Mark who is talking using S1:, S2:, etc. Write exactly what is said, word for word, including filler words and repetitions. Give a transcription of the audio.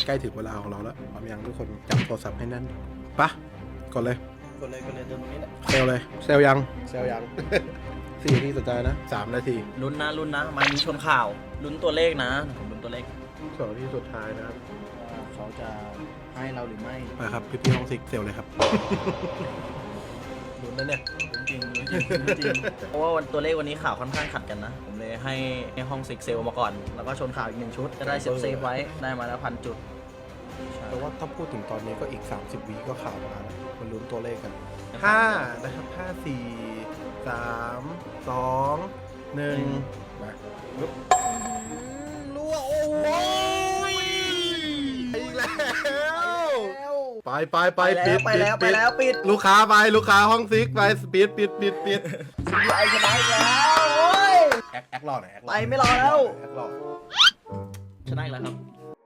S1: ใกล้ถึงเวลาของเราแล้วพร้อมยังทุกคนจับโทรศัพท์ให้แน่นปะกดเลย
S2: กดเลยกดเลยตรงนี้แหละ
S1: เซลเลยเซลยังเซลยัง สี่นาทีสุดท้ายนะสามนาที
S2: ลุ้นนะลุ้นนะมานี้ชนข่าวลุ้นตัวเลขนะผมลุ้นตัวเลข
S1: สองนาทีสุดท้ายนะครับ
S2: ว่าเขาจะให้เราหรือไม่
S1: ไปครับพี่พี่ห้องซิกเซลเลยครับ
S2: ลุ้นนะเนี่ยลุ้นจริงลุ้นจริงลุ้นจริงเพราะว่าวันตัวเลขวันนี้ข่าวค่อนข้างขัดกันนะผมเลยให้ให้ห้องซิกเซลมาก่อนแล้วก็ชนข่าวอีกหนึ่งชุดจะได้เซฟเซฟไว้ได้มาแล้วพันจุด
S1: แต่ว่าถ้าพูดถึงตอนนี้ก็อีกสามสิบวิก็ข่าวมาแล้วมันลุ้นตัวเลขกันห้านะครับห้าสี่สามสองหนึ่งมาลุกรั่วโอ้ยอีกแล้วไปไปไปปิด
S2: ไปแล้วไปแล้วปิด
S1: ลูกค้าไปลูกค้าห้องซิกไปปิดปิดปิดปิด
S2: ไอชนะอีกแล้วโอ้ย
S1: แอคแอครอหน่อยแอครอ
S2: ไปไม่รอแล้ว
S1: แอครอ
S2: ชนะอีกแล้วครับ